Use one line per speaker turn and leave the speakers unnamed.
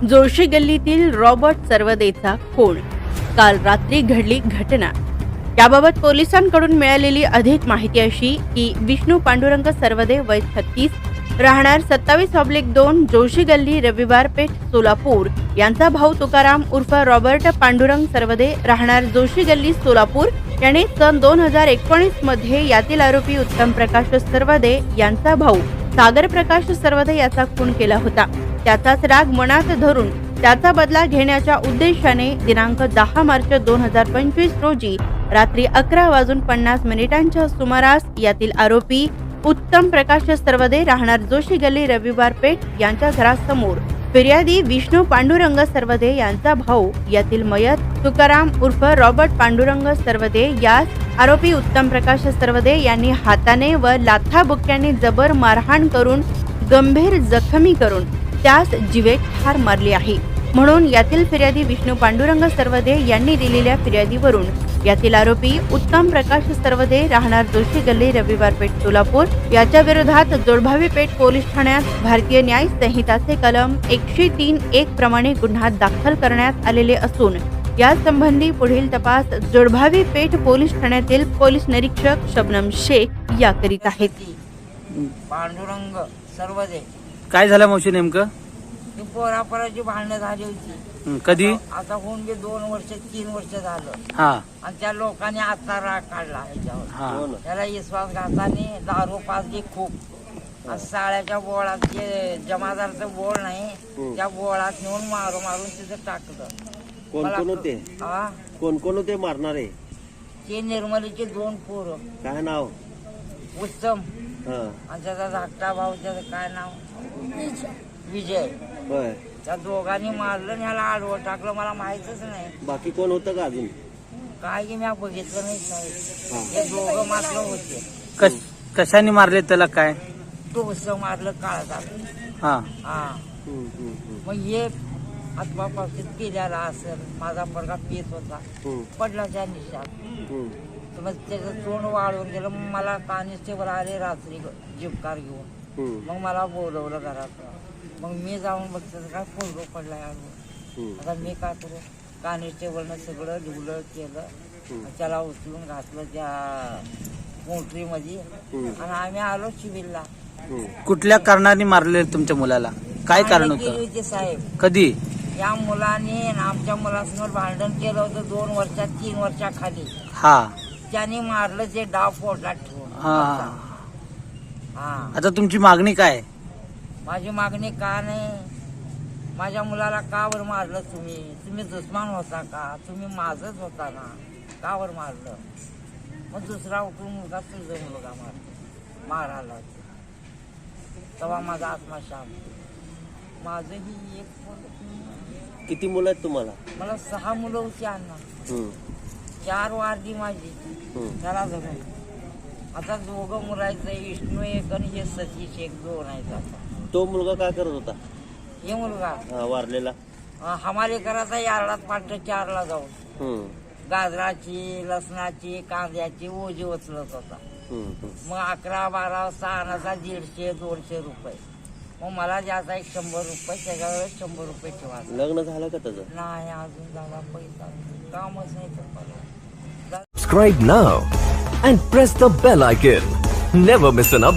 Joshi गल्लीतील Robert सरवदेचा खून. काल रात्री घडली घटना. याबाबत पोलिसांकडून मिळालेली अधिक माहिती अशी की विष्णू पांडुरंग सरवदे वय 36 राहणार 27/2 जोशी गल्ली रविवार पेठ सोलापूर यांचा भाऊ तुकाराम उर्फ रॉबर्ट पांडुरंग सरवदे राहणार जोशी गल्ली सोलापूर याने सन 2019 मध्ये यातील आरोपी उत्तम प्रकाश सरवदे यांचा भाऊ सागर प्रकाश सरवदे याचा खून केला होता. त्याचाच राग मनात धरून त्याचा बदला घेण्याच्या उद्देशाने दिनांक 10 मार्च 2025 रोजी रात्री 11:50 सुमारास यातील आरोपी उत्तम प्रकाश सरवदे राहणार जोशी गल्ली रविवार पेठ यांच्या घरासमोर फिर्यादी विष्णू पांडुरंग सरवदे यांचा भाऊ यातील मयत तुकाराम उर्फ रॉबर्ट पांडुरंग सरवदे यास आरोपी उत्तम प्रकाश सरवदे यांनी हाताने व लाथाबुक्क्याने जबर मारहाण करून गंभीर जखमी करून त्यास जीवे ठार मारली आहे. म्हणून यातील फिर्यादी विष्णू पांडुरंग सरवदे यांनी दिलेल्या फिर्यादीवरून यातील आरोपी उत्तम प्रकाश सरवदे राहणार जोशी गल्ली रविवार पेठ सोलापूर याच्या विरोधात जोडभावी पेठ पोलीस ठाण्यात भारतीय न्याय संहिताचे कलम 103(1) प्रमाणे गुन्हा दाखल करण्यात आलेले असून या संबंधी पुढील तपास जोडभावी पेठ पोलीस ठाण्यातील पोलीस निरीक्षक शबनम शेख या करीत आहेत.
पांडुरंग सरवदे.
काय झालं मावशी नेमकं?
ती पोरापोराची भांडणं झाली होती.
कधी?
आता होऊन गे 2 वर्ष 3 वर्ष झालं.
हा.
आणि त्या लोकांनी आता राग काढला
हा.
ह्याच्यावर. त्याला विश्वास घाताने दारू पाजली खूप. आणि साळ्याच्या बोळात जे जमादारचं बोळ नाही त्या बोळात नेऊन मारून तिथं टाकलं.
कोण कोण होते?
हा,
कोण कोण होते मारणारे?
ते निर्मलीचे 2 पोरं.
काय नाव?
उत्तम
हा.
आणि त्याचा धाकटा भाऊ त्याचं काय नाव? विजय.
होय.
त्या दोघांनी मारलं आणि ह्याला आडवं टाकलं. मला माहितच नाही
बाकी कोण होतं का अजून?
काय की मी बघितलं नाही साहेब. हे दोघं मारलं होते.
कशाने मारले त्याला? काय
डोसं मारलं काळात.
हा.
हा. मग हे आत्मापासून केलेला असेल. माझा पोरगा पेत होता. पडला त्या निशात. मग त्याचं तोंड वाळून गेलं. मग मला कॉन्स्टेबल आले रात्री जिपकार घेऊन. मग मला बोलवलं घरात. मग मी जाऊन बघतो काय फोडो पडलाय. आता मी काय करू? कॉन्स्टेबलनं सगळं लिवलं केलं. त्याला उचलून घातलं त्या मोटरीमध्ये आणि आम्ही आलो सिव्हिलला.
कुठल्या कारणाने मारले तुमच्या मुलाला? काय कारण
केली
होतं?
होती साहेब.
कधी?
या मुलाने आमच्या मुलासमोर भांडण केलं होतं 2 वर्षात 3 वर्षाखाली.
हा.
त्याने मारलं ते डाव पोटात ठेवून.
हा.
हा.
आता तुमची मागणी काय?
माझी मागणी का नाही? माझ्या मुलाला का बरं मारलं तुम्ही? तुम्ही दुश्मन होता का? तुम्ही माझच होता ना? का बरं मारलं? मग दुसरा उठून मुलगा तुझा मुलगा मारायला तेव्हा माझा आत्मा शांत. माझं ही एक
किती मुलं आहेत तुम्हाला?
मला 6 मुलं होती अण्णा. 4 वारली माझी त्याला धरून. आता 2 मुलायचं. विष्णू एक आणि हे सतीश एक 2 आहेत. आता
तो मुलगा काय करत होता?
हे मुलगा
वारलेला
हमारे करायचा यार्डात पाठ्य 4ला जाऊन गाजराची लसणाची कांद्याची ओझी उचलत होता. मग 11, 12 6 150-200 रुपये. मग मला द्यायचा 100 रुपये. त्याच्यावर 100 रुपये ठेवा.
लग्न झालं का त्याचं?
नाही अजून झाला. पैसा कामच नाही तर.
Subscribe now and press the bell icon. Never miss an update.